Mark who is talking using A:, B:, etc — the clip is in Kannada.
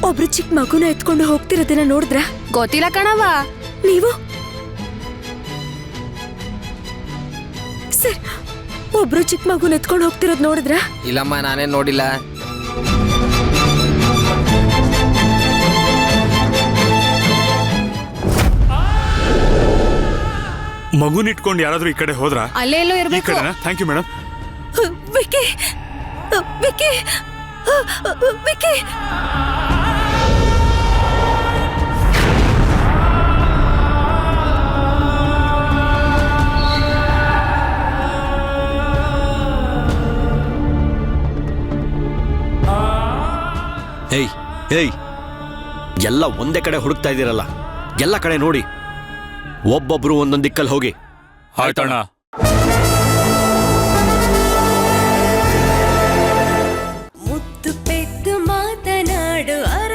A: ಒಬ್ರು ಚಿಕ್ಕ ಮಗುನ ಎತ್ಕೊಂಡು ಹೋಗ್ತಿರೋದನ್ನ ನೋಡಿದ್ರ?
B: ಗೊತ್ತಿಲ್ಲ ಕಣವ.
A: ನೀವು ಸರ್ ಒಬ್ರು ಚಿಕ್ಕ ಮಗುನ ಎತ್ಕೊಂಡು ಹೋಗ್ತಿರೋದ್ ನೋಡಿದ್ರ?
C: ಇಲ್ಲಮ್ಮ, ನಾನೇನ್ ನೋಡಿಲ್ಲ.
D: ಮಗುನ ಇಟ್ಕೊಂಡು ಯಾರಾದ್ರೂ ಈ ಕಡೆ ಹೋದ್ರ?
B: ಅಲ್ಲೇ ಎಲ್ಲೋ
D: ಈ
B: ಇರ್ಬೇಕು.
D: ಕಡೆನಾ? Thank you madam.
A: Vicky Vicky Vicky
E: ಏಯ್ ಏಯ್, ಎಲ್ಲ ಒಂದೇ ಕಡೆ ಹುಡುಕ್ತಾ ಇದ್ದೀರಲ್ಲ, ಎಲ್ಲ ಕಡೆ ನೋಡಿ. ಒಬ್ಬೊಬ್ರು ಒಂದೊಂದು ದಿಕ್ಕಲ್ಲಿ ಹೋಗಿ.
D: ಆಯ್ತಣ್ಣ.
A: ಮುತ್ತು ಪೆದ್ದು ಮಾತನಾಡು